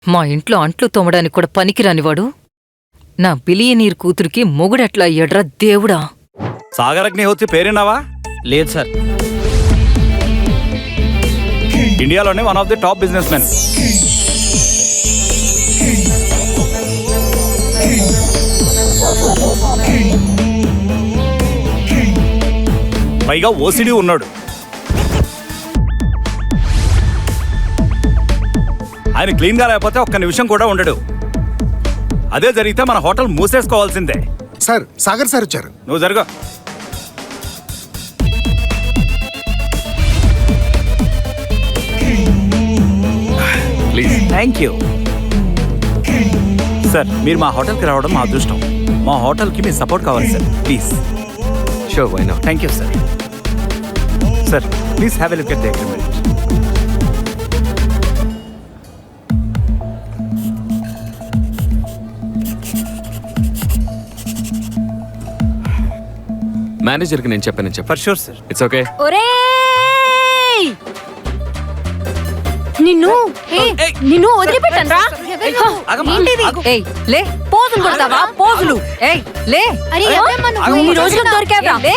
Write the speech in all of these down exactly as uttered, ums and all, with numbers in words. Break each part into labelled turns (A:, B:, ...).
A: మా ఇంట్లో అంట్లు తోమడానికి కూడా పనికిరానివాడు నా బిలియనీర్ కూతురికి మొగుడెట్లా అయ్యాడ్రా దేవుడా.
B: సాగర్ అగ్నిహోత్రి పేరున్నావా?
C: లేదు సార్.
B: ఇండియాలోనే one of the top businessmen. పైగా ఓసిడి ఉన్నాడు. ఆయన క్లీన్ గా లేకపోతే ఒక్క నిమిషం కూడా ఉండడు. అదే జరిగితే మన హోటల్ మూసేసుకోవాల్సిందే.
D: సార్ సాగర్ సార్ వచ్చారు.
B: నువ్వు జరుగు. ప్లీజ్. Thank you sir. మీరు మా హోటల్కి రావడం మా అదృష్టం. మా హోటల్కి మీ సపోర్ట్ కావాలి sir. Please.
C: Sure, why not.
B: Thank you sir. Sir please have a look at the agreement.
C: మేనేజర్కి నేను చెప్పాను చెప్పు.
B: For sure sir.
C: It's okay.
E: ఒరేయ్ నిన్ను నిన్ను వదిలిపెట్టను రా.
A: ఏయ్ లే,
E: పోజులు కొడతావా? పోజులు.
A: ఏయ్ లే.
E: అరే ఈ రోజులకు దొరికావా?
A: లే.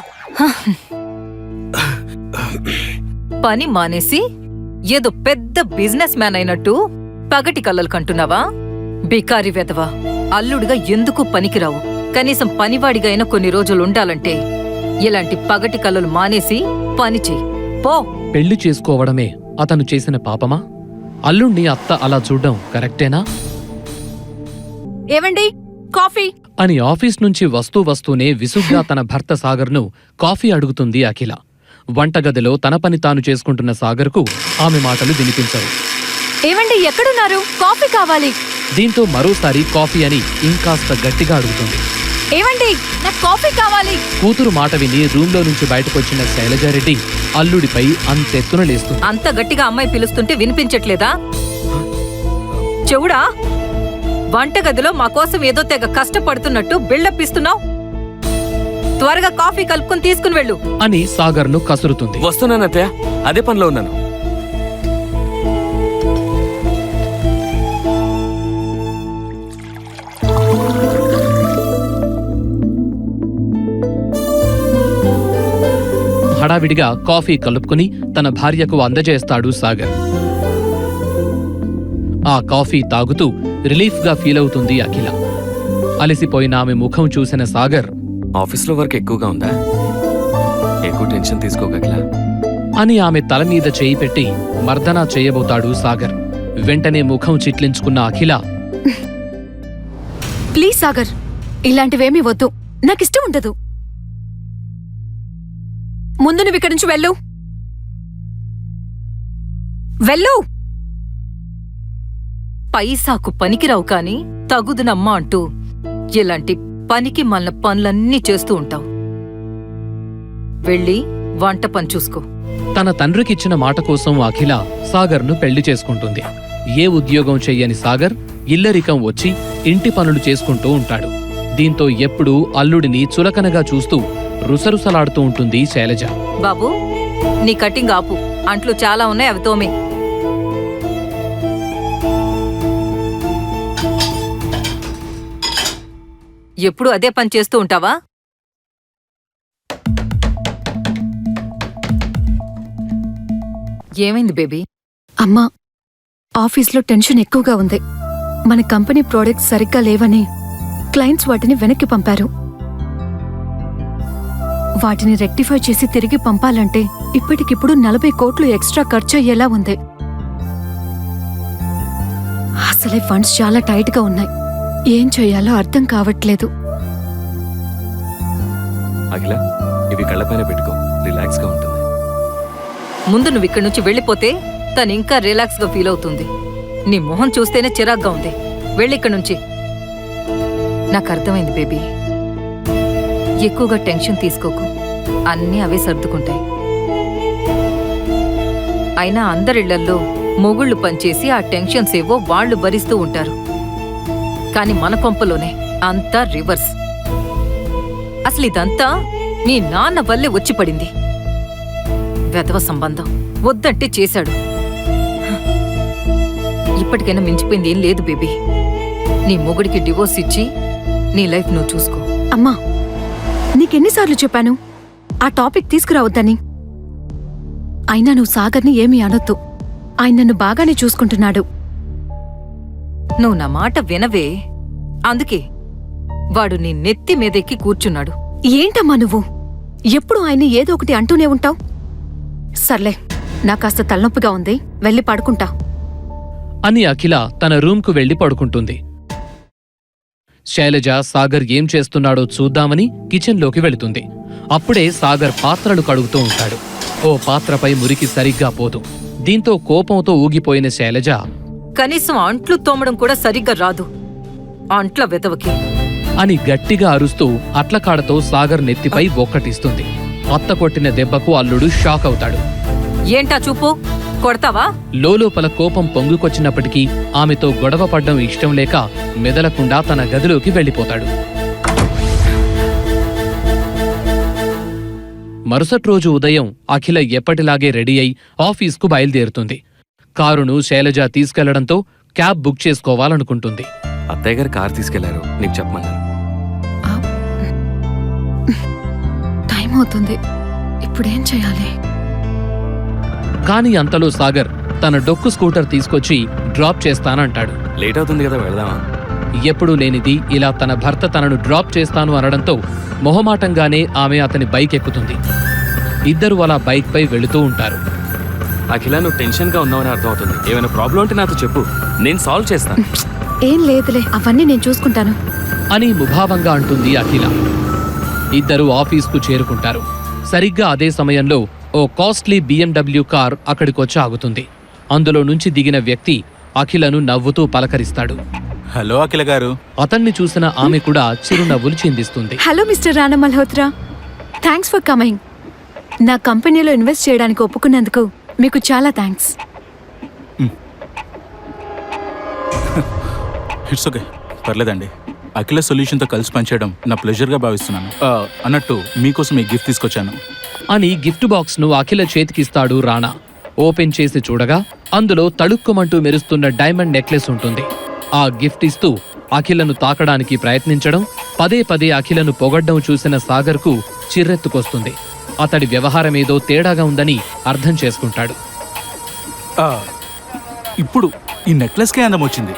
A: పని మానేసి ఏదో పెద్ద బిజినెస్ మ్యాన్ అయినట్టు పగటి కళ్ళలు కంటున్నావా? బికారి వెదవా, అల్లుడిగా ఎందుకు పనికిరావు. కనీసం పనివాడిగా అయినా కొన్ని రోజులు ఉండాలంటే ఇలాంటి పగటి కళ్ళలు మానేసి పని చెయ్యి పో.
F: పెళ్లి చేసుకోవడమే అతను చేసిన పాపమా? అల్లుణ్ణి అత్త అలా చూడ్డం కరెక్టేనా?
E: ఏవండి కాఫీ
F: అని ఆఫీస్ నుంచి వస్తూ వస్తూనే విసుగ్గా తన భర్త సాగర్ను కాఫీ అడుగుతుంది అఖిల. వంటగదిలో తన పని తాను చేసుకుంటున్న సాగర్కు ఆమె మాటలు వినిపించవు.
E: ఏవండి ఎక్కడున్నారు? కాఫీ కావాలి.
F: దీంతో మరోసారి కాఫీ అని ఇంకాస్త గట్టిగా అడుగుతుంది.
E: ఏవండి నాకు కాఫీ కావాలి.
F: కూతురు మాట విని రూంలో నుంచి బయటకొచ్చిన శైలజారెడ్డి అల్లుడిపై అంతెత్తున లేస్తుంది.
A: అంత గట్టిగా అమ్మాయి పిలుస్తుంటే వినిపించట్లేదా? చెవుడా, వంటగదిలో మా కోసం ఏదో తెగ కష్టపడుతున్నట్టు బిల్డప్ ఇస్తున్నావు. త్వరగా కాఫీ కలుపుకొని తీసుకుని వెళ్ళు
F: అని సాగర్ను కసురుతుంది.
C: వస్తున్నాను అత్తయ్య, అదే పనిలో ఉన్నాను.
F: హడావిడిగా కాఫీ కలుపుకుని తన భార్యకు అందజేస్తాడు సాగర్. ఆ కాఫీ తాగుతూ రిలీఫ్గా ఫీలవుతుంది అఖిల. అలసిపోయిన ఆమె ముఖం చూసిన సాగర్,
C: ఆఫీస్లో వర్క్ ఎక్కువగా ఉందా? ఎక్కువ టెన్షన్ తీసుకోగల
F: అని ఆమె తల మీద చేయి పెట్టి మర్దనా చేయబోతాడు సాగర్. వెంటనే ముఖం చిట్లించుకున్న అఖిల,
E: ప్లీజ్ సాగర్, ఇలాంటివేమీ వద్దు. నాకిష్టం ఉండదు. ముందు నువ్వు ఇక్కడి నుంచి వెళ్ళు వెళ్ళు
A: పైసాకు పనికిరావు కాని తగుదునమ్మా అంటూ ఇలాంటి పనికి మళ్ళ పనులన్నీ చేస్తూ ఉంటావు. వెళ్ళి వంట పని చూసుకో.
F: తన తండ్రికిచ్చిన మాట కోసం అఖిల సాగర్ను పెళ్లి చేసుకుంటుంది. ఏ ఉద్యోగం చెయ్యని సాగర్ ఇల్లరికం వచ్చి ఇంటి పనులు చేసుకుంటూ ఉంటాడు. దీంతో ఎప్పుడూ అల్లుడిని చులకనగా చూస్తూ రుసరుసలాడుతూ ఉంటుంది శైలజ.
A: బాబూ, నీ కటింగ్ ఆపు. అంట్లు చాలా ఉన్నాయి, అవి తోమే. ఎప్పుడు అదే పని చేస్తూ ఉంటావా? ఏమైంది బేబీ?
E: అమ్మా, ఆఫీస్లో టెన్షన్ ఎక్కువగా ఉంది. మన కంపెనీ ప్రోడక్ట్స్ సరిగ్గా లేవని క్లయింట్స్ వాటిని వెనక్కి పంపారు. వాటిని రెక్టిఫై చేసి తిరిగి పంపాలంటే ఇప్పటికిప్పుడు నలభై కోట్లు ఎక్స్ట్రా ఖర్చు అయ్యేలా ఉంది. అసలే ఫండ్స్ చాలా టైట్ గా ఉన్నాయి. ఏం చేయాలో అర్థం కావట్లేదు.
C: అఖిల, ఇవి కళ్ళపైన పెట్టుకో, రిలాక్స్ గా ఉంటుంది.
A: ముందు నువ్వు ఇక్కడి నుంచి వెళ్ళిపోతే తను ఇంకా రిలాక్స్ గా ఫీల్ అవుతుంది. నీ మొహం చూస్తేనే చిరాగ్గా ఉంది. వెళ్ళిక్కడి నుంచి. నాకు అర్థమైంది బేబీ. ఎక్కువగా టెన్షన్ తీసుకోకు. అన్నీ అవే సర్దుకుంటాయి. అయినా అందరిళ్లల్లో మొగుళ్ళు పనిచేసి ఆ టెన్షన్స్ ఏవో వాళ్లు భరిస్తూ ఉంటారు. కాని మన కొంపలోనే అంతా రివర్స్. అసలు ఇదంతా నీ నాన్న వల్లే వచ్చి పడింది. వెధవ సంబంధం వద్దంటే చేశాడు. ఇప్పటికైనా మించిపోయింది ఏం లేదు బేబీ. నీ మొగుడికి డివోర్స్ ఇచ్చి నీ లైఫ్ నువ్వు చూసుకో.
E: అమ్మా, నీకెన్నిసార్లు చెప్పాను ఆ టాపిక్ తీసుకురావద్దని? అయినా నువ్వు సాగర్ని ఏమీ అనొద్దు. ఆయన నన్ను బాగానే చూసుకుంటున్నాడు.
A: నువ్వు నా మాట వినవే. అందుకే వాడు నీ నెత్తి మీదెక్కి కూర్చున్నాడు.
E: ఏంటమ్మా నువ్వు ఎప్పుడు ఆయన్ని ఏదో ఒకటి అంటూనే ఉంటావు. సర్లే, నా కాస్త తలనొప్పిగా ఉంది, వెళ్ళి పడుకుంటా
F: అని అఖిల తన రూమ్కు వెళ్లి పడుకుంటుంది. శైలజ సాగర్ ఏం చేస్తున్నాడో చూద్దామని కిచెన్లోకి వెళుతుంది. అప్పుడే సాగర్ పాత్రలు కడుగుతూ ఉంటాడు. ఓ పాత్రపై మురికి సరిగ్గా పోదు. దీంతో కోపంతో ఊగిపోయిన శైలజ,
A: కనీసం అంట్లు తోమడం కూడా సరిగ్గా రాదు అంట్ల వెతవకి
F: అని గట్టిగా అరుస్తూ అట్లకాడతో సాగర్ నెత్తిపై ఒక్కటిస్తుంది. అత్త కొట్టిన దెబ్బకు అల్లుడు షాక్ అవుతాడు.
A: ఏంటా చూపు, కొడతావా?
F: లోలోపల కోపం పొంగుకొచ్చినప్పటికీ ఆమెతో గొడవ పడ్డం ఇష్టం లేక మెదలకుండా తన గదిలోకి వెళ్ళిపోతాడు. మరుసటి రోజు ఉదయం అఖిల ఎప్పటిలాగే రెడీ అయి ఆఫీస్కు బయలుదేరుతుంది. కారును శైలజ తీసుకెళ్లడంతో క్యాబ్ బుక్ చేసుకోవాలనుకుంటుంది.
C: అత్తయ్య గారు కార్ తీసుకెళ్లారు, నీకు చెప్పమన్నారు.
E: టైం అవుతుంది, ఇప్పుడేం చేయాలి?
F: కాని అంతలో సాగర్ తన డొక్కు స్కూటర్ తీసుకొచ్చి డ్రాప్ చేస్తానంటాడు.
C: లేట్ అవుతుంది కదా, వెళదామా?
F: ఎప్పుడూ లేనిది ఇలా తన భర్త తనను డ్రాప్ చేస్తాను అనడంతో మొహమాటంగానే ఆమె అతని బైక్ ఎక్కుతుంది. ఇద్దరు అలా బైక్ పై వెళుతూ ఉంటారు.
C: అఖిల, నువ్వు టెన్షన్ గా ఉన్నావని అర్థం అవుతుంది. ఏమైనా ప్రాబ్లం ఉంటే నాతో చెప్పు, నేను సాల్వ్ చేస్తాను.
E: ఏం లేదులే, అవన్నీ నేను చూసుకుంటాను
F: అని ముభావంగా అంటుంది అఖిల. ఇద్దరు ఆఫీస్కు చేరుకుంటారు. సరిగ్గా అదే సమయంలో ఓ కాస్ట్లీ బిఎండబ్ల్యూ కార్ అక్కడికొచ్చి ఆగుతుంది. అందులో నుంచి దిగిన వ్యక్తి అఖిలను నవ్వుతూ పలకరిస్తాడు.
B: హలో అఖిల గారు.
F: అతన్ని చూసిన ఆమె కూడా చిరునవ్వులు చిందిస్తుంది.
E: Hello mister Rana Malhotra, thanks for coming. నా కంపెనీలో ఇన్వెస్ట్ చేయడానికి ఒప్పుకున్నందుకు మీకు చాలా థ్యాంక్స్.
G: ఇట్స్ ఓకే, పర్లేదండి. అఖిల సొల్యూషన్తో కలిసి పనిచేయడం నా ప్లెజర్గా భావిస్తున్నాను. ఆ, అన్నట్టు మీకోసం ఈ గిఫ్ట్ తీసుకొచ్చాను
F: అని గిఫ్ట్ బాక్స్ను అఖిల చేతికిస్తాడు రాణా. ఓపెన్ చేసి చూడగా అందులో తళుక్కుమంటూ మెరుస్తున్న డైమండ్ నెక్లెస్ ఉంటుంది. ఆ గిఫ్ట్ ఇస్తూ అఖిలను తాకడానికి ప్రయత్నించడం, పదే పదే అఖిలను పొగడ్డం చూసిన సాగర్కు చిర్రెత్తుకొస్తుంది. అతడి వ్యవహారమేదో తేడాగా ఉందని అర్థం చేసుకుంటాడు.
G: ఆ, ఇప్పుడు ఈ నెక్లెస్కే అందం వచ్చింది.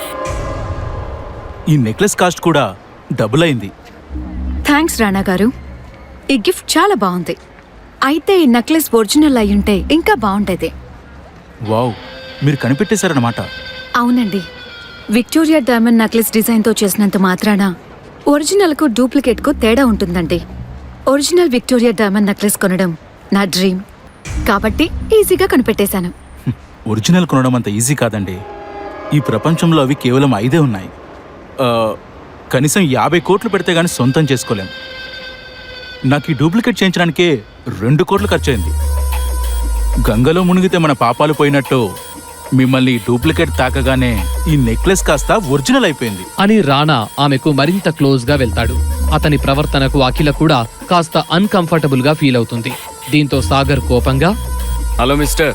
G: ఈ నెక్లెస్ కాస్ట్ కూడా డబుల్ అయింది.
E: థ్యాంక్స్ రాణా గారు, ఈ గిఫ్ట్ చాలా బాగుంది. అయితే ఈ నెక్లెస్ ఒరిజినల్ అయ్యుంటే ఇంకా బాగుండేది.
G: వావ్, మీరు కనిపెట్టేశారన్నమాట.
E: అవునండి, విక్టోరియా డైమండ్ నెక్లెస్ డిజైన్తో చేసినంత మాత్రాన ఒరిజినల్కు డూప్లికేట్కు తేడా ఉంటుందండి. ఒరిజినల్ విక్టోరియా డైమండ్ నెక్లెస్ కొనడం నా డ్రీమ్, కాబట్టి ఈజీగా కనిపెట్టేశాను.
G: ఒరిజినల్ కొనడం అంత ఈజీ కాదండి. ఈ ప్రపంచంలో అవి కేవలం ఐదే ఉన్నాయి. ఆ, కనీసం యాభై కోట్లు పెడితే గానీ సొంతం చేసుకోలేం. నాకు ఈ డూప్లికేట్ చేయించడానికే రెండు కోట్లు ఖర్చయింది. గంగలో మునిగితే మన పాపాలు పోయినట్టు మిమ్మల్ని డూప్లికేట్ తాకగానే ఈ నెక్లెస్ కాస్త ఒరిజినల్ అయిపోయింది
F: అని రాణా ఆమెకు మరింత క్లోజ్ గా వెళ్తాడు. అతని ప్రవర్తనకు అఖిల కూడా కాస్త అన్కంఫర్టబుల్ గా ఫీల్ అవుతుంది. దీంతో సాగర్ కోపంగా,
C: హలో మిస్టర్,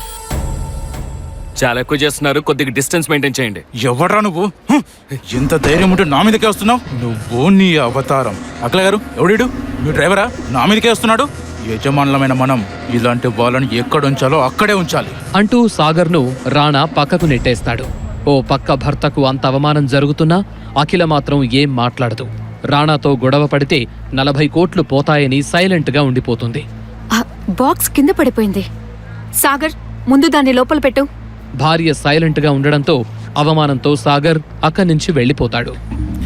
C: చాలా ఎక్కువ చేస్తున్నారు, కొద్దిగా డిస్టెన్స్ మెయింటైన్ చేయండి.
G: ఎవడ్రా నువ్వు? హ్మ్. ఎంత ధైర్యం ఉంటే నా మీదకే వస్తున్నావు? నువ్వు నీ అవతారం. అఖిల గారు, ఎవడీడు? మీ డ్రైవరా? నా మీదకే వస్తున్నాడు. యజమానులమైన మనం ఇలాంటి వాళ్ళని ఎక్కడ ఉంచాలో అక్కడే ఉంచాలి
F: అంటూ సాగర్ను రాణా పక్కకు నెట్టేస్తాడు. ఓ పక్క భర్తకు అంత అవమానం జరుగుతున్నా అఖిల మాత్రం ఏం మాట్లాడదు. రాణాతో గొడవ పడితే నలభై కోట్లు పోతాయని సైలెంట్గా ఉండిపోతుంది.
E: ఆ బాక్స్ కింద పడిపోయింది. సాగర్, ముందు దాన్ని లోపల పెట్టు.
F: భార్య సైలెంట్గా ఉండడంతో అవమానంతో సాగర్ అక్కడి నుంచి వెళ్ళిపోతాడు.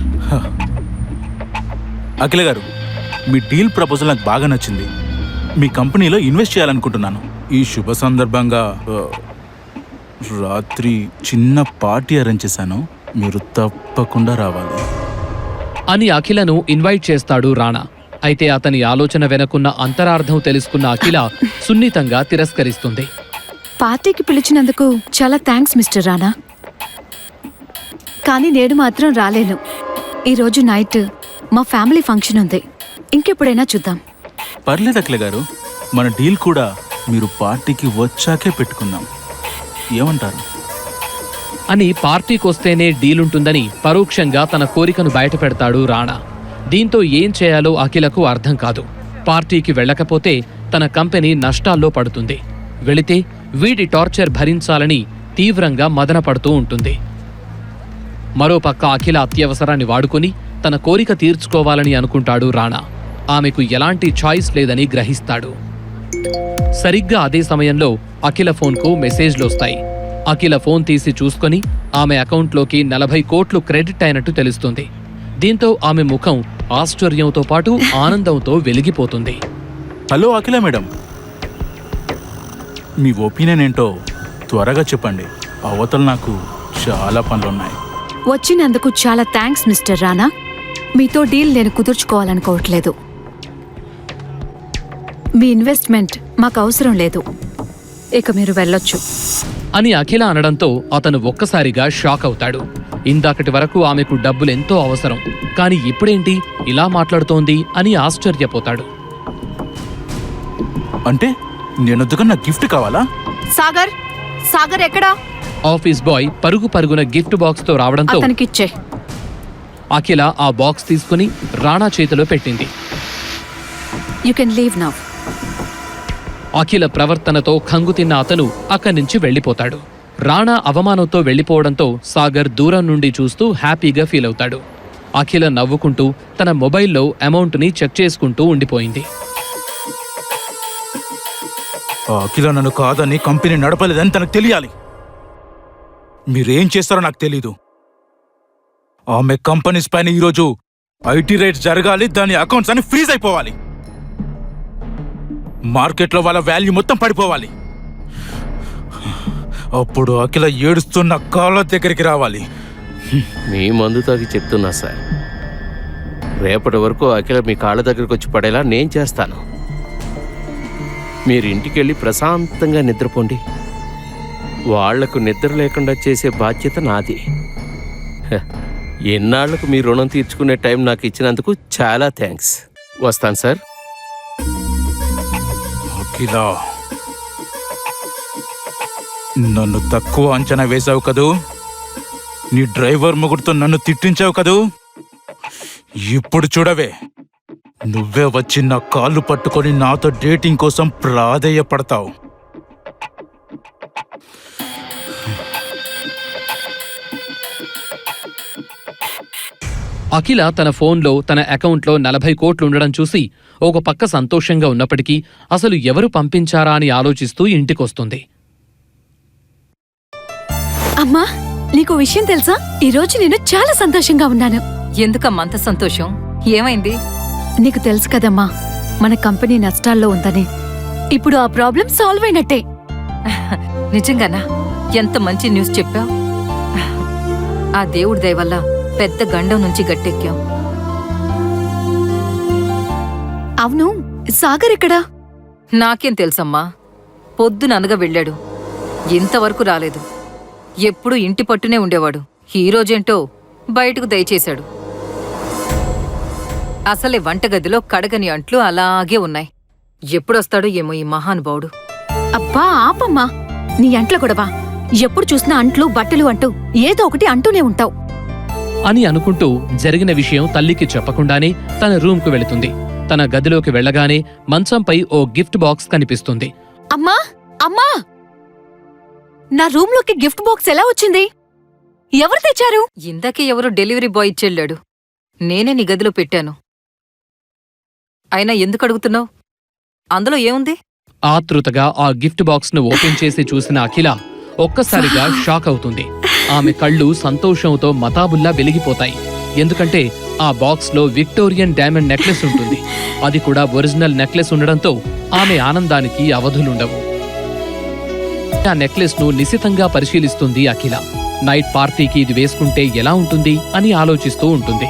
G: అఖిల గారు, మీ డీల్ ప్రపోజల్ నాకు బాగా నచ్చింది. మీ కంపెనీలో ఇన్వెస్ట్ చేయాలనుకుంటున్నాను. ఈ శుభ సందర్భంగా ఆ, రాత్రి చిన్న పార్టీ అరేంజ్ చేశాను. మీరు తప్పకుండా రావాలి
F: అని అఖిలను ఇన్వైట్ చేస్తాడు రాణా. అయితే అతని ఆలోచన వెనకున్న అంతరార్థం తెలుసుకున్న అఖిల సున్నితంగా తిరస్కరిస్తుంది.
E: పార్టీకి పిలిచినందుకు చాలా థ్యాంక్స్ మిస్టర్ రానా, కానీ నేను మాత్రం రాలేను. ఈరోజు నైట్ మా ఫ్యామిలీ ఫంక్షన్ ఉంది, ఇంకెప్పుడైనా చూద్దాం.
G: పర్లేదు అఖిల గారు, మన డీల్ కూడా మీరు పార్టీకి వచ్చాకే పెట్టుకుందాం. ఏమంటారు?
F: అని పార్టీకొస్తేనే డీలుంటుందని పరోక్షంగా తన కోరికను బయటపెడతాడు రాణా. దీంతో ఏం చేయాలో అఖిలకు అర్థం కాదు. పార్టీకి వెళ్ళకపోతే తన కంపెనీ నష్టాల్లో పడుతుంది, వెళితే వీడి టార్చర్ భరించాలని తీవ్రంగా మదనపడుతూ ఉంటుంది. మరోపక్క అఖిల అత్యవసరాన్ని వాడుకుని తన కోరిక తీర్చుకోవాలని అనుకుంటాడు రాణా. ఆమెకు ఎలాంటి చాయిస్ లేదని గ్రహిస్తాడు. సరిగ్గా అదే సమయంలో అఖిల ఫోన్కు మెసేజ్లొస్తాయి. అఖిల ఫోన్ తీసి చూసుకొని ఆమె అకౌంట్లోకి నలభై కోట్లు క్రెడిట్ అయినట్టు తెలుస్తుంది. దీంతో ఆమె ముఖం ఆశ్చర్యంతో పాటు ఆనందంతో వెలిగిపోతుంది.
G: హలో అఖిల మేడం, మీ ఒపీనియన్ ఏంటో త్వరగా చెప్పండి. అవతల నాకు చాలా పనులున్నాయి.
E: వచ్చినందుకు చాలా థ్యాంక్స్ మిస్టర్ రానా. మీతో డీల్ నేను కుదుర్చుకోవాలనుకోవట్లేదు. మీ ఇన్వెస్ట్మెంట్ మాకు అవసరం లేదు, ఇక మీరు వెళ్ళొచ్చు
F: అని అఖిల అనడంతో అతను ఒక్కసారిగా షాక్ అవుతాడు. ఇందాకటి వరకు ఆమెకు డబ్బులెంతో అవసరం, కాని ఇప్పుడేంటి ఇలా మాట్లాడుతోంది అని ఆశ్చర్యపోతాడు.
G: అంటే నేనొద్దుగా నా గిఫ్ట్ కావాలా?
E: సాగర్, సాగర్ ఎక్కడా?
F: ఆఫీస్ బాయ్ పరుగు పరుగున గిఫ్ట్ బాక్స్ తో రావడంతో
E: అతనికిచ్చే.
F: అఖిల ఆ బాక్స్ తీసుకుని రాణా చేతిలో పెట్టింది.
E: You can leave now.
F: Akhila ప్రవర్తనతో ఖంగుతిన్న అతను అక్కడి నుంచి వెళ్ళిపోతాడు. రాణా అవమానంతో వెళ్ళిపోవడంతో సాగర్ దూరం నుండి చూస్తూ హ్యాపీగా ఫీల్ అవుతాడు. అఖిల నవ్వుకుంటూ తన మొబైల్లో అమౌంట్ని చెక్ చేసుకుంటూ ఉండిపోయింది.
G: ఆ అఖిల నన్ను కాదని కంపెనీ నడపలేదని తనకు తెలియాలి. మీరేం చేస్తారో నాకు తెలీదు. ఆమె కంపెనీస్ పైన ఈరోజు ఐటీ రేట్స్ జరగాలి, దాని అకౌంట్స్ అన్ని ఫ్రీజ్ అయిపోవాలి, మార్కెట్లో వాళ్ళ వాల్యూ మొత్తం పడిపోవాలి. అప్పుడు అఖిల ఏడుస్తున్న కాళ్ళ దగ్గరికి రావాలి.
H: మీ మందు తాగి చెప్తున్నా సార్, రేపటి వరకు అఖిల మీ కాళ్ళ దగ్గరకు వచ్చి పడేలా నేను చేస్తాను. మీరు ఇంటికెళ్ళి ప్రశాంతంగా నిద్రపోండి. వాళ్లకు నిద్ర లేకుండా చేసే బాధ్యత నాది. హ, ఎన్నాళ్లకు మీ రుణం తీర్చుకునే టైం నాకు ఇచ్చినందుకు చాలా థ్యాంక్స్. వస్తాను సార్.
G: అఖిల, నన్ను తక్కువ అంచనా వేశావు కదూ, నీ డ్రైవర్ ముగ్గురితో నన్ను తిట్టించావు కదూ, ఇప్పుడు చూడవే, నువ్వే వచ్చి నా కాళ్ళు పట్టుకొని నాతో డేటింగ్ కోసం ప్రాధేయపడతావు.
F: అఖిల తన ఫోన్లో తన అకౌంట్లో నలభై కోట్లుండడం చూసి ఒక పక్క సంతోషంగా ఉన్నప్పటికీ అసలు ఎవరు పంపించారా అని ఆలోచిస్తూ ఇంటికొస్తుంది.
E: అమ్మా, నీకు విషయం తెలుసా? ఈ రోజు నేను చాలా సంతోషంగా ఉన్నాను.
A: ఎందుకమ్మా అంత సంతోషం? ఏమైంది?
E: నీకు తెలుసు కదమ్మా, మన కంపెనీ నష్టాల్లో ఉందని. ఇప్పుడు ఆ ప్రాబ్లం సాల్వ్ అయినట్టే.
A: నిజంగానా? ఎంత మంచి న్యూస్ చెప్పావు. ఆ దేవుడి దయ వల్ల పెద్ద గండం నుంచి గట్టెక్కాం.
E: అవును, సాగర్ ఎక్కడా?
A: నాకేం తెలుసమ్మా, పొద్దుననగా వెళ్ళాడు, ఇంతవరకు రాలేదు. ఎప్పుడూ ఇంటి పట్టునే ఉండేవాడు, ఈ రోజేంటో బయటకు దయచేశాడు. అసలే వంటగదిలో కడగని అంట్లు అలాగే ఉన్నాయి. ఎప్పుడొస్తాడో ఏమో ఈ మహానుభావుడు.
E: అబ్బా ఆపమ్మా, నీ అంట్ల గొడవ. ఎప్పుడు చూసినా అంట్లు బట్టలు అంటూ ఏదో ఒకటి అంటూనే ఉంటావు
F: అని అనుకుంటూ జరిగిన విషయం తల్లికి చెప్పకుండానే తన రూమ్కు వెళుతుంది. తన గదిలోకి వెళ్ళగానే మంచంపై ఓ గిఫ్ట్ బాక్స్ కనిపిస్తుంది.
E: అమ్మా, అమ్మా, నా రూమ్లోకి గిఫ్ట్ బాక్స్ ఎలా వచ్చింది? ఎవరు తెచ్చారు?
A: ఇందాకే ఎవరో డెలివరీ బాయ్ ఇచ్చెళ్ళాడు, నేనే నీ గదిలో పెట్టాను. అయినా ఎందుకు అడుగుతున్నావు? అందులో ఏముంది?
F: ఆతృతగా ఆ గిఫ్ట్ బాక్స్ ను ఓపెన్ చేసి చూసిన అఖిల ఒక్కసారిగా షాక్ అవుతుంది. ఆమె కళ్ళు సంతోషంతో మతాబుల్లా వెలిగిపోతాయి. ఎందుకంటే ఆ బాక్స్ లో విక్టోరియన్ డైమండ్ నెక్లెస్ ఉంటుంది. అది కూడా ఒరిజినల్ నెక్లెస్ ఉండడంతో ఆమె ఆనందానికి అవధులుండవు. ఆ నెక్లెస్ ను నిశితంగా పరిశీలిస్తుంది అఖిల. నైట్ పార్టీకి ఇది వేసుకుంటే ఎలా ఉంటుంది అని ఆలోచిస్తూ ఉంటుంది.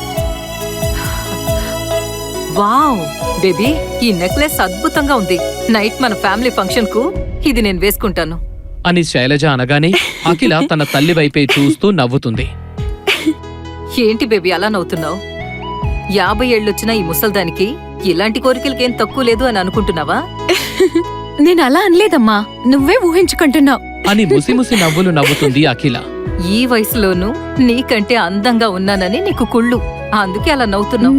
A: వావ్ బేబీ, ఈ నెక్లెస్ అద్భుతంగా ఉంది. నైట్ మన ఫ్యామిలీ ఫంక్షన్ కు ఇది నేను వేసుకుంటాను
F: అని శైలజ అనగానే అఖిల తన తల్లి వైపే చూస్తూ నవ్వుతుంది.
A: ఏంటి బేబీ అలా నవ్వుతున్నావు? యాభై ఏళ్ళొచ్చినా ఈ ముసల్దానికి ఇలాంటి కోరికలకేం తక్కువ లేదు అని అనుకుంటున్నావా?
E: నేను అలా అనలేదమ్మా, నువ్వే ఊహించుకుంటున్నావు.
F: అని ముసిముసి నవ్వులు నవ్వుతుంది అఖిల.
A: ఈ వయసులోనూ నీకంటే అందంగా ఉన్నానని నీకు కుళ్ళు, అందుకే అలా నవ్వుతున్నావు.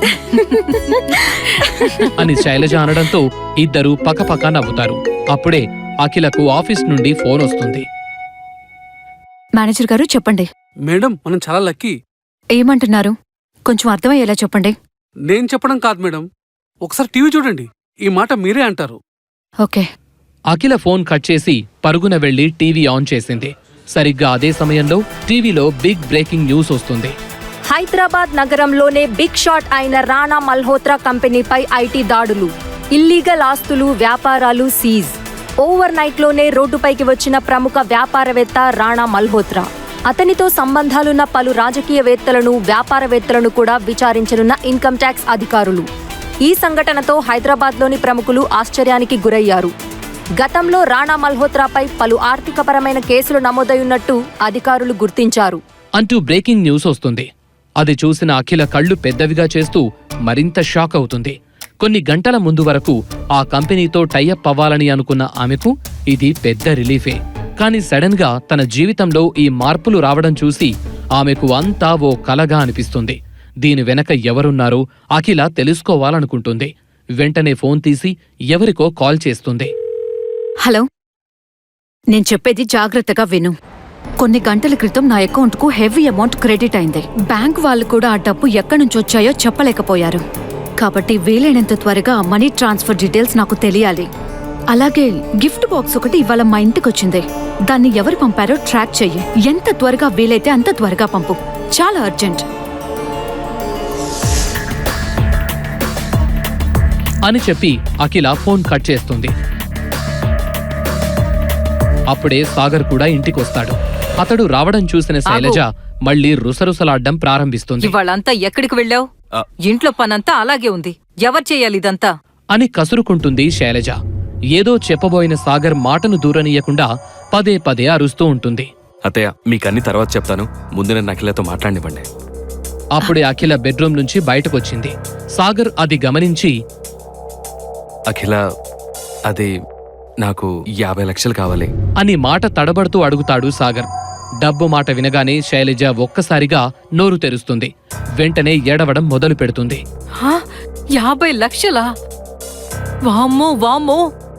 F: అని శైలజ అనడంతో ఇద్దరూ పకపక నవ్వుతారు. అప్పుడే అఖిలకు ఆఫీస్ నుండి ఫోన్ వస్తుంది.
E: మేనేజర్ గారు చెప్పండి.
I: మేడం మనం చాలా లక్కీ.
E: ఏమంటున్నారు? కొంచెం అర్థమయ్యేలా చెప్పండి.
I: నేను చెప్పడం కాదు మేడం, ఒకసారి టీవీ చూడండి, ఈ మాట మీరే అంటారు.
E: ఓకే.
F: అఖిల ఫోన్ కట్ చేసి పరుగున వెళ్లి టీవీ ఆన్ చేసింది. సరిగ్గా అదే సమయంలో టీవీలో బిగ్ బ్రేకింగ్ న్యూస్ వస్తుంది.
J: హైదరాబాద్ నగరంలోనే బిగ్ షాట్ అయిన రాణా మల్హోత్రా కంపెనీపై ఐటీ దాడులు, ఇల్లీగల్ ఆస్తులు, వ్యాపారాలు సీజ్. ఓవర్ నైట్ లోనే రోడ్డుపైకి వచ్చిన ప్రముఖ వ్యాపారవేత్త రాణా మల్హోత్రా. అతనితో సంబంధాలున్న పలు రాజకీయవేత్తలను, వ్యాపారవేత్తలను కూడా విచారించనున్న ఇన్కమ్ ట్యాక్స్ అధికారులు. ఈ సంఘటనతో హైదరాబాద్లోని ప్రముఖులు ఆశ్చర్యానికి గురయ్యారు. గతంలో రాణా మల్హోత్రాపై పలు ఆర్థికపరమైన కేసులు నమోదయ్యున్నట్టు అధికారులు గుర్తించారు
F: అంటూ బ్రేకింగ్ న్యూస్ వస్తుంది. అది చూసిన అఖిల కళ్ళు పెద్దవిగా చేస్తూ మరింత షాక్ అవుతుంది. కొన్ని గంటల ముందు వరకు ఆ కంపెనీతో టైఅప్ అవ్వాలని అనుకున్న ఆమెకు ఇది పెద్ద రిలీఫే. కానీ సడన్ గా తన జీవితంలో ఈ మార్పులు రావడం చూసి ఆమెకు అంతా ఓ కలగా అనిపిస్తుంది. దీని వెనక ఎవరున్నారో అఖిల తెలుసుకోవాలనుకుంటుంది. వెంటనే ఫోన్ తీసి ఎవరికో కాల్ చేస్తుంది.
E: హలో, నేను చెప్పేది జాగ్రత్తగా విను. కొన్ని గంటల క్రితం నా అకౌంట్కు హెవీ అమౌంట్ క్రెడిట్ అయింది. బ్యాంక్ వాళ్ళు కూడా ఆ డబ్బు ఎక్కడి నుంచి వచ్చాయో చెప్పలేకపోయారు. కాబట్టి వీలైనంత త్వరగా ఆ మనీ ట్రాన్స్ఫర్ డీటెయిల్స్ నాకు తెలియాలి. అలాగే గిఫ్ట్ బాక్స్ ఒకటి ఇవాళ మా ఇంటికి వచ్చింది. దాన్ని ఎవరు పంపారో ట్రాక్ చెయ్యి. ఎంత త్వరగా వీలైతే అంత త్వరగా పంపు. చాలా అర్జెంట్
F: అని చెప్పి అఖిల ఫోన్ కట్ చేస్తుంది. అప్పుడే సాగర్ కూడా ఇంటికొస్తాడు. అతడు రావడం చూసిన శైలజ మళ్లీ రుసరుసలాడ్డం ప్రారంభిస్తుంది.
A: ఇవాళంతా ఎక్కడికి వెళ్ళావు? ఇంట్లో పనంతా అలాగే ఉంది, ఎవరు చేయాలి ఇదంతా
F: అని కసురుకుంటుంది శైలజ. ఏదో చెప్పబోయిన సాగర్ మాటను దూరనీయకుండా పదే పదే అరుస్తూ ఉంటుంది.
C: అత్తయ్య మీకన్నీ తర్వాత చెప్తాను, ముందు నేను అఖిలతో మాట్లాడినివ్వండి.
F: అప్పుడే అఖిల బెడ్రూమ్ నుంచి బయటకొచ్చింది. సాగర్ అది గమనించి,
C: అఖిల, అది నాకు యాభై లక్షలు కావాలి
F: అని మాట తడబడుతూ అడుగుతాడు సాగర్. డబ్బు మాట వినగానే శైలజ ఒక్కసారిగా నోరు తెరుస్తుంది. వెంటనే ఏడవడం మొదలు పెడుతుంది.
A: హా? యాభై లక్షలా? వామ్మో వామ్మో,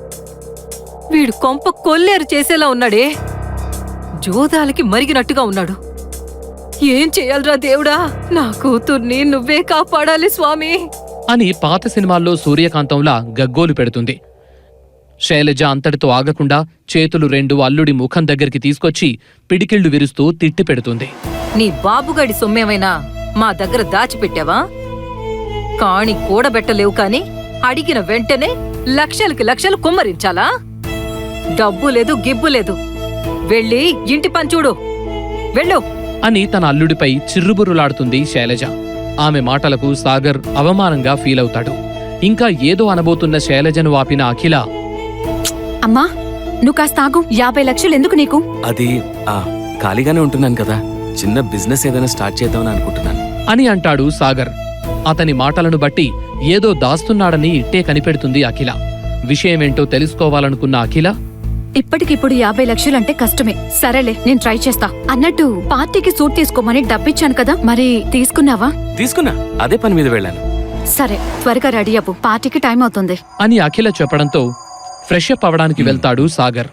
A: వీడు కొంప కొల్లేరు చేసేలా ఉన్నాడే. జోదాలకి మరిగినట్టుగా ఉన్నాడు. ఏం చెయ్యాలరా దేవుడా, నా కూతుర్ని నువ్వే కాపాడాలి స్వామి
F: అని పాత సినిమాల్లో సూర్యకాంతంలా గగ్గోలు పెడుతుంది. శైలజ అంతటితో ఆగకుండా చేతులు రెండు అల్లుడి ముఖం దగ్గరికి తీసుకొచ్చి పిడికిళ్లు విరుస్తూ తిట్టి పెడుతుంది.
A: నీ బాబుగాడి సొమ్మేమైనా మా దగ్గర దాచిపెట్టావా? కాణి కూడబెట్టలేవు కాని అడిగిన వెంటనే లక్షలకి లక్షలు కుమ్మరించాలా? డబ్బు లేదు, గిబ్బు లేదు. వెళ్ళి ఇంటి పని చూడు, వెళ్ళు
F: అని తన అల్లుడిపై చిర్రుబుర్రులాడుతుంది శైలజ. ఆమె మాటలకు సాగర్ అవమానంగా ఫీలవుతాడు. ఇంకా ఏదో అనబోతున్న శైలజను ఆపిన అఖిల,
E: అమ్మా నువ్వు కాస్త ఆగు. యాభై లక్షలు ఎందుకు నీకు?
C: అది ఆ ఖాళీగానే ఉంటున్నాను కదా, చిన్న బిజినెస్ ఏదైనా స్టార్ట్ చేద్దామని అనుకుంటున్నాను
F: అని అంటాడు సాగర్. అతని మాటలను బట్టి ఏదో దాస్తున్నాడని ఇట్టే కనిపెడుతుంది అఖిల. విషయమేంటో తెలుసుకోవాలనుకున్న అఖిల,
E: ఇప్పటికిప్పుడు యాభై లక్షలంటే కష్టమే. సరేలే, నేను ట్రై చేస్తా. అన్నట్టు పార్టీకి సూట్ తీసుకోమని డబ్బిచ్చాను కదా, మరి తీసుకున్నావా?
C: తీసుకున్నా, అదే పని మీద వెళ్ళాను.
E: సరే, త్వరగా రెడీ అవ్వు, పార్టీకి టైం అవుతుంది
F: అని అఖిల చెప్పడంతో ఫ్రెష్ అప్ అవడానికి వెళ్తాడు సాగర్.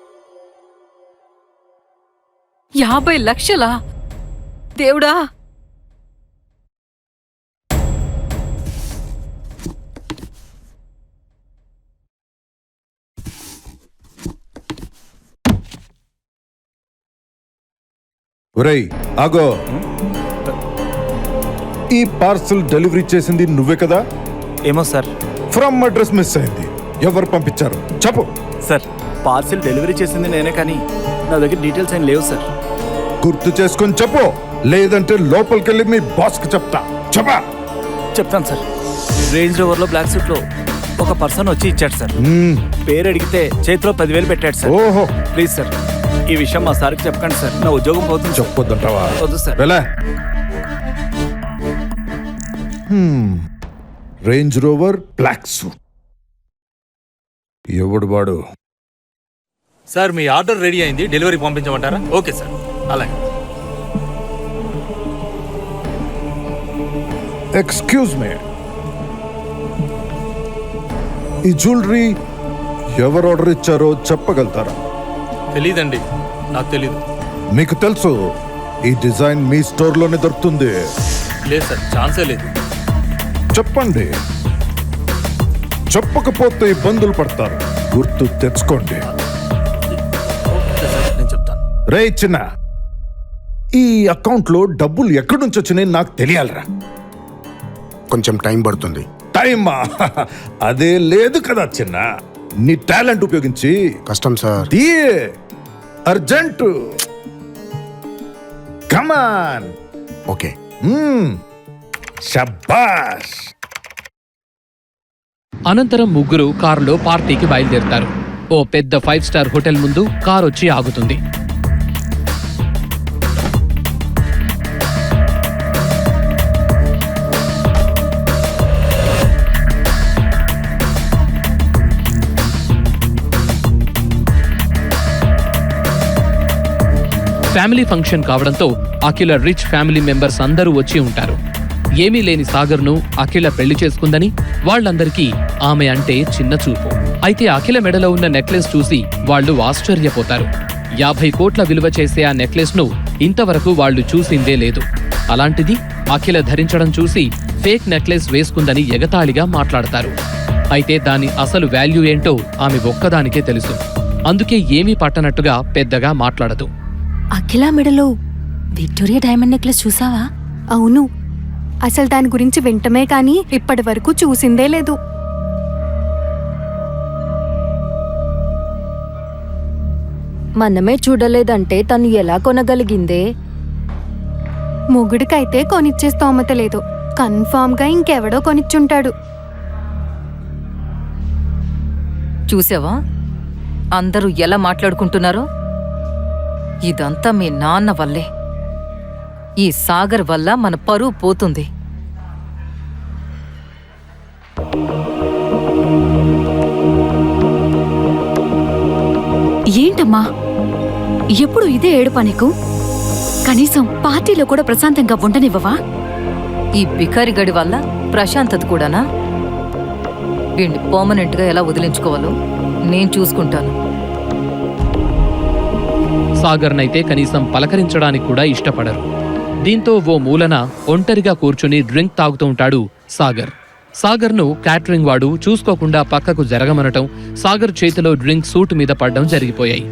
A: యాభై లక్షలా? దేవుడా!
K: ఒరేయ్ ఆగో, ఈ పార్సల్ డెలివరీ చేసింది నువ్వే కదా?
B: ఏమో సార్.
K: ఫ్రమ్ అడ్రస్ మిస్ అయింది, ఎవరు పంపించారు చెప్పు.
B: సార్, పార్సిల్ డెలివరీ చేసింది నేనే, కానీ నా దగ్గర డీటెయిల్స్ ఏం లేవు సార్.
K: గుర్తు చేసుకొని చెప్పు, లేదంటే లోపలికెళ్ళి మీ బాస్కి చెప్తా. చెప్పా.
B: చెప్తాను సార్. రేంజ్ రోవర్లో బ్లాక్ సూట్లో ఒక పర్సన్ వచ్చి ఇచ్చాడు సార్. పేరు అడిగితే చేతిలో పదివేలు పెట్టాడు సార్.
K: ఓహో,
B: ప్లీజ్ సార్, ఈ విషయం మా సార్కి చెప్పకండి సార్, నా ఉద్యోగం పోతుంది.
K: చెప్పొద్దంటావా?
B: వద్దు సార్.
K: వెళ్ళా. రేంజ్ రోవర్ బ్లాక్ సూట్, ఎవడు వాడు?
B: సార్ మీ ఆర్డర్ రెడీ అయింది, డెలివరీ పంపించమంటారా? ఓకే సార్, అలాగే.
K: ఎక్స్క్యూజ్ మీ, ఈ జ్యువెలరీ ఎవరు ఆర్డర్ ఇచ్చారో చెప్పగలుగుతారా?
B: తెలీదండి, నాకు తెలీదు.
K: మీకు తెలుసు ఈ డిజైన్ మీ స్టోర్లోనే దొరుకుతుంది.
B: లేదు సార్, ఛాన్సే లేదు.
K: చెప్పండి, చెప్పకపోతే ఇబ్బందులు పడతారు, గుర్తు తెచ్చుకోండి.
B: ఓకే సార్, నేను చెప్తాను.
K: రే చిన్న, ఈ అకౌంట్లో డబ్బులు ఎక్కడి నుంచి వచ్చినాయి నాకు తెలియాలరా.
D: కొంచెం టైం పడుతుంది.
K: టైమా? అదే లేదు కదా చిన్న, నీ టాలెంట్ ఉపయోగించి
D: కష్టం సార్.
K: తీయే అర్జెంట్. కమాన్.
D: ఓకే.
K: శబాష్.
F: అనంతరం ముగ్గురు కారులో పార్టీకి బయలుదేరుతారు. ఓ పెద్ద ఫైవ్ స్టార్ హోటల్ ముందు కారు వచ్చి ఆగుతుంది. ఫ్యామిలీ ఫంక్షన్ కావడంతో అఖిల రిచ్ ఫ్యామిలీ మెంబర్స్ అందరూ వచ్చి ఉంటారు. ఏమీ లేని సాగర్ను అఖిల పెళ్లి చేసుకుందని వాళ్లందరికీ ఆమె అంటే చిన్న చూపు. అయితే అఖిల మెడలో ఉన్న నెక్లెస్ చూసి వాళ్లు ఆశ్చర్యపోతారు. యాభై కోట్ల విలువ చేసే ఆ నెక్లెస్ ను ఇంతవరకు వాళ్లు చూసిందే లేదు. అలాంటిది అఖిల ధరించడం చూసి ఫేక్ నెక్లెస్ వేసుకుందని ఎగతాళిగా మాట్లాడతారు. అయితే దాని అసలు వాల్యూ ఏంటో ఆమె ఒక్కదానికే తెలుసు. అందుకే ఏమీ పట్టనట్టుగా పెద్దగా మాట్లాడదు.
J: అఖిల మెడలో విక్టోరియా డైమండ్ నెక్లెస్ చూసావా? అవును, అసలు దాని గురించి వింటమే కానీ ఇప్పటి వరకు చూసిందే లేదు. మనమే చూడలేదంటే తను ఎలా కొనగలిగిందే? మొగుడికైతే కొనిచ్చే స్తోమత లేదు, కన్ఫామ్ గా ఇంకెవడో కొనిచ్చుంటాడు.
A: చూసావా అందరూ ఎలా మాట్లాడుకుంటున్నారో? ఇదంతా మీ నాన్న వల్లే. ఈ సాగర్ వల్ల మన పరువు పోతుంది.
E: ఏంటమ్మా ఎప్పుడు ఇదే ఏడుపా నీకు? కనీసం పార్టీలో కూడా ప్రశాంతంగా ఉండనివ్వవా?
A: ఈ బికారి గడి వల్ల ప్రశాంతత కూడానా? వీణ్ణి పర్మనెంట్ గా ఎలా వదిలించుకోవాలో నేను చూసుకుంటాను.
F: సాగర్నైతే కనీసం పలకరించడానికి కూడా ఇష్టపడరు. దీంతో ఓ మూలన ఒంటరిగా కూర్చుని డ్రింక్ తాగుతూ ఉంటాడు సాగర్. సాగర్ను క్యాటరింగ్ వాడు చూసుకోకుండా పక్కకు జరగమనటం, సాగర్ చేతిలో డ్రింక్ సూట్ మీద పడ్డం జరిగిపోయాయి.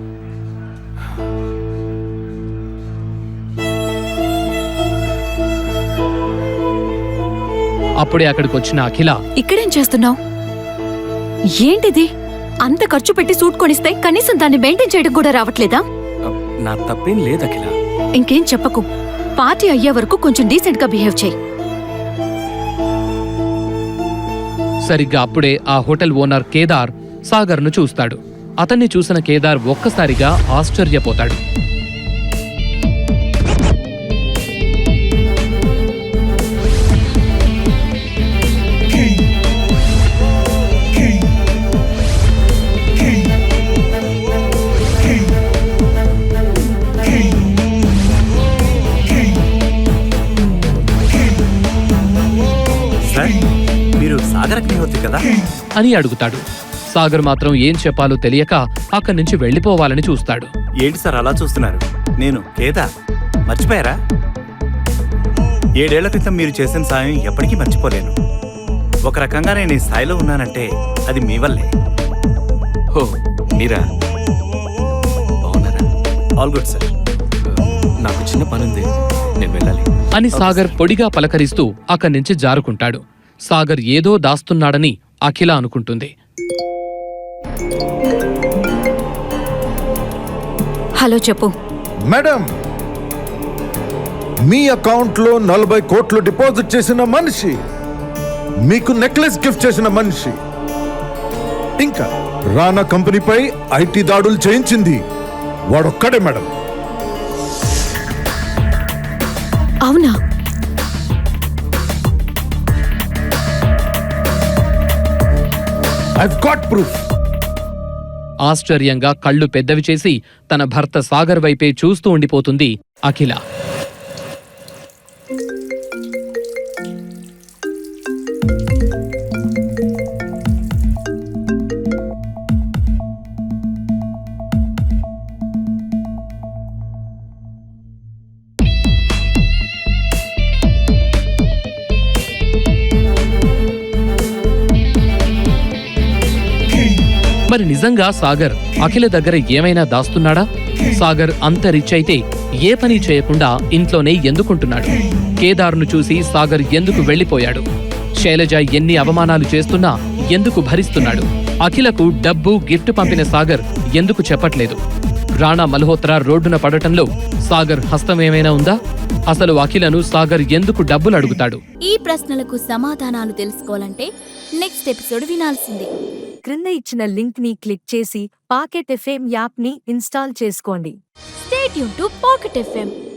F: అప్పుడే అక్కడికొచ్చిన అఖిల,
E: ఇక్కడేం చేస్తున్నావు? ఏంటిది? అంత ఖర్చు పెట్టి సూట్ కొనిస్తే కనీసం దాన్ని మెయింటైన్ చేయడం కూడా రావట్లేదా?
B: నా తప్పేం లేదు అఖిల.
E: ఇంకేం చెప్పకు. పార్టీ అయ్యే వరకు కొంచెం డీసెంట్ గా బిహేవ్ చేయి.
F: సరిగ్గా అప్పుడే ఆ హోటల్ ఓనర్ కేదార్ సాగర్ను చూస్తాడు. అతన్ని చూసిన కేదార్ ఒక్కసారిగా ఆశ్చర్యపోతాడు.
B: మీరు సాగర్ అగ్నిహోత్రి కదా
F: అని అడుగుతాడు. సాగర్ మాత్రం ఏం చెప్పాలో తెలియక అక్కడి నుంచి వెళ్లిపోవాలని చూస్తాడు.
B: ఏంటి సార్ అలా చూస్తున్నారు? నేను కేదార్, మర్చిపోయారా? ఏడేళ్ల క్రితం మీరు చేసిన సాయం ఎప్పటికీ మర్చిపోలేను. ఒక రకంగా నేను ఈ స్థాయిలో ఉన్నానంటే అది మీ వల్లే.
C: హో, మీరా? బాగున్నారా?
B: All good sir.
C: నాకు చిన్న పనుంది, నేను వెళ్ళాలి
F: అని సాగర్ పొడిగా పలకరిస్తూ అక్కడి నుంచి జారుకుంటాడు. సాగర్ ఏదో దాస్తున్నాడని అఖిల అనుకుంటుంది.
E: హలో చెప్పు.
K: మేడం, మీ అకౌంట్లో నలభై కోట్లు డిపాజిట్ చేసిన మనిషి, మీకు నెక్లెస్ గిఫ్ట్ చేసిన మనిషి, ఇంకా రానా కంపెనీపై ఐటీ దాడులు చేయించింది వాడొక్కడే మేడం.
E: అవునా?
K: I've got proof.
F: ఆశ్చర్యంగా కళ్ళు పెద్దవి చేసి తన భర్త సాగర్ వైపే చూస్తూ ఉండిపోతుంది అఖిల. మరి నిజంగా సాగర్ అఖిల దగ్గర ఏమైనా దాస్తున్నాడా? సాగర్ అంత రిచ్ అయితే ఏ పని చేయకుండా ఇంట్లోనే ఎందుకుంటున్నాడు? కేదార్ను చూసి సాగర్ ఎందుకు వెళ్లిపోయాడు? శైలజ ఎన్ని అవమానాలు చేస్తున్నా ఎందుకు భరిస్తున్నాడు? అఖిలకు డబ్బు గిఫ్ట్ పంపిన సాగర్ ఎందుకు చెప్పట్లేదు? రాణా మల్హోత్రా రోడ్డున పడటంలో సాగర్ హస్తమేమైనా ఉందా? అసలు అఖిలను సాగర్ ఎందుకు డబ్బులు అడుగుతాడు?
L: ఈ ప్రశ్నలకు సమాధానాలు తెలుసుకోవాలంటే నెక్స్ట్ ఎపిసోడ్ వినాల్సిందే.
J: క్రింద ఇచ్చిన లింక్ ని క్లిక్ చేసి పాకెట్ ఎఫ్ఎం యాప్ ని ఇన్స్టాల్ చేసుకోండి.
L: Stay tune to pocket FM.